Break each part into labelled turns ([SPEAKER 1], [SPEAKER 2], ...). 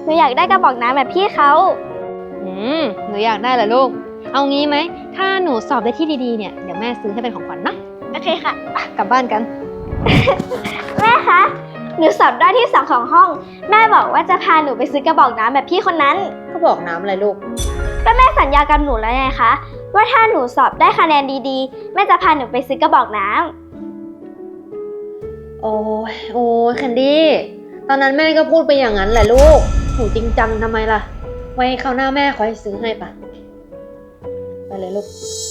[SPEAKER 1] หนูอยากได้กระบอกน้ำแบบพี่เขา
[SPEAKER 2] หนูอยากได้เหรอลูกเอางี้ไหมถ้าหนูสอบได้ที่ดีๆเนี่ยเดี๋ยวแม่ซื้อให้เป็นของขวัญนะ
[SPEAKER 1] โอเคค่ะ
[SPEAKER 2] กลับบ้านกัน
[SPEAKER 1] แม่คะ หนูสอบได้ที่2ของห้อง แม่บอกว่าจะพาหนูไปซื้อกระบอกน้ำแบบพี่คนนั้น
[SPEAKER 2] ก็บอกน้ำอะไรลูก
[SPEAKER 1] ก็แม่สัญญากับหนูแล้วไงคะ ว่าถ้าหนูสอบได้คะแนนดีๆ แม่จะพาหนูไปซื้อกระบอกน้ำ
[SPEAKER 2] โอ้ยแคนดี้ตอนนั้นแม่ก็พูดไปอย่างนั้นแหละลูกหนูจริงจังทำไมล่ะไว้คราวหน้าแม่ขอให้ซื้อให้ปะไปเลยลูก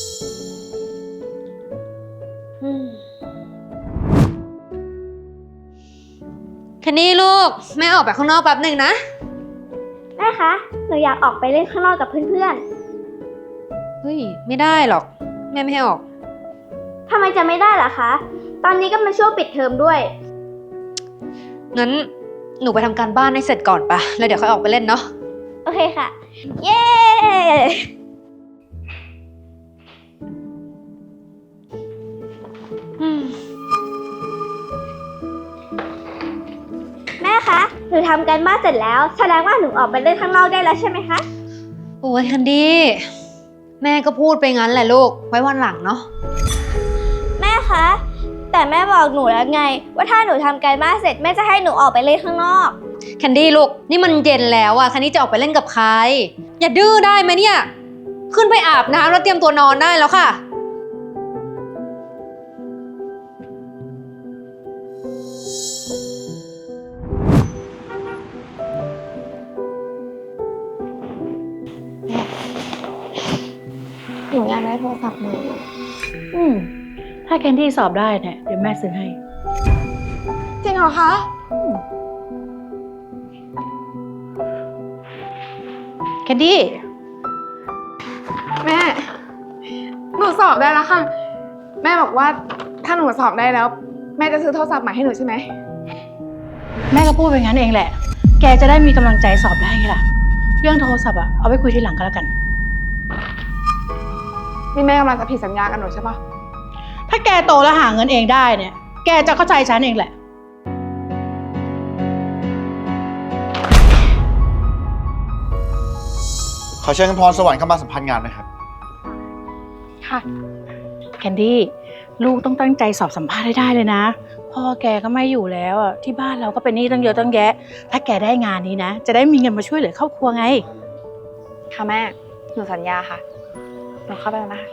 [SPEAKER 2] แคนดี้ลูกแม่ออกไปข้างนอกแป๊บหนึ่งนะ
[SPEAKER 1] แม่คะ หนูอยากออกไปเล่นข้างนอกกับเพื่อน
[SPEAKER 2] เฮ้ยไม่ได้หรอกแม่ไม่ให้ออก
[SPEAKER 1] ๆทำไมจะไม่ได้ล่ะคะ ตอนนี้ก็เป็นช่วงปิดเทอมด้วย
[SPEAKER 2] งั้นหนูไปทำการบ้านให้เสร็จก่อนปะแล้วเดี๋ยวค่อยออกไปเล่นเนาะ
[SPEAKER 1] โอเคค่ะ เย้ แม่คะ หนูทำการบ้านเสร็จแล้ว แสดงว่าหนูออกไปเล่นข้างนอกได้แล้วใช่ไหมคะ
[SPEAKER 2] โอ้ยแคนดี้แม่ก็พูดไปงั้นแหละลูกไว้วันหลังเนาะ
[SPEAKER 1] แม่คะ แต่แม่บอกหนูแล้วไง ว่าถ้าหนูทำการบ้านเสร็จแม่จะให้หนูออกไปเล่นข้างนอก
[SPEAKER 2] แคนดี้ลูกนี่มันเย็นแล้วอะแคนดี้จะออกไปเล่นกับใครอย่าดื้อได้ไหมเนี่ยขึ้นไปอาบน้ำแล้วเตรียมตัวนอนได้แล้วค่ะ
[SPEAKER 1] หนูอยากได้โทรศัพท์ใหม่
[SPEAKER 3] ถ้าแคนดี้สอบได้เนี่ยเดี๋ยวแม่ซื้อให้
[SPEAKER 1] จริงเหรอคะ
[SPEAKER 3] แคนดี้
[SPEAKER 4] แม่หนูสอบได้แล้วค่ะแม่บอกว่าถ้าหนูสอบได้แล้วแม่จะซื้อโทรศัพท์ใหม่ให้หนูใช่ไหม
[SPEAKER 3] แม่ก็พูดไปงั้นเองแหละแกจะได้มีกำลังใจสอบได้ไงล่ะเรื่องโทรศัพท์อะเอาไว้คุยทีหลังก็แล้วกัน
[SPEAKER 4] นี่แม่กำลังจะผิดสัญญากับหนูใช่ปะ
[SPEAKER 3] ถ้าแกโตแล้วหาเงินเองได้เนี่ยแกจะเข้าใจฉันเองแหละ
[SPEAKER 5] ขอเชิญคุณพรสวรรค์เข้ามาสัมภาษณ์งานนะครับ
[SPEAKER 4] ค่ะ
[SPEAKER 3] แคนดี้ลูกต้องตั้งใจสอบสัมภาษณ์ให้ได้เลยนะพ่อแกก็ไม่อยู่แล้วอ่ะที่บ้านเราก็เป็นหนี้ตั้งเยอะตั้งแยะถ้าแกได้งานนี้นะจะได้มีเงินมาช่วยเหลือครอบครัวไง
[SPEAKER 4] ค่ะแม่หนูสัญญาค่ะหนูเข้าไปแล้วนะคะ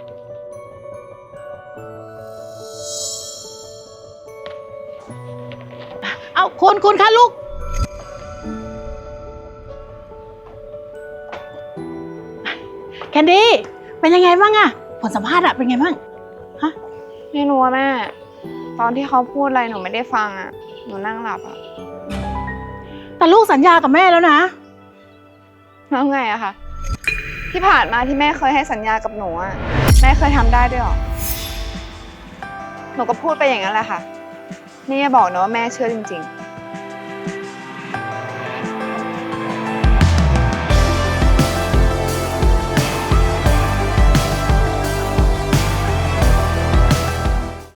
[SPEAKER 3] เอาคุณคะลูกแคนดี้เป็นยังไงบ้างอะผลสัมภาษณ์อะเป็นไงบ้างฮะ
[SPEAKER 4] ไม่รู้ว่าแม่ตอนที่เขาพูดอะไรหนูไม่ได้ฟังอะหนูนั่งหลับอะ
[SPEAKER 3] แต่ลูกสัญญากับแม่แล้วนะ
[SPEAKER 4] แล้วไงอะคะที่ผ่านมาที่แม่เคยให้สัญญากับหนูอะแม่เคยทำได้ด้วยหรอหนูก็พูดไปอย่างนั้นแหละค่ะนี่อย่าบอกนะว่าแม่เชื่อจริงๆ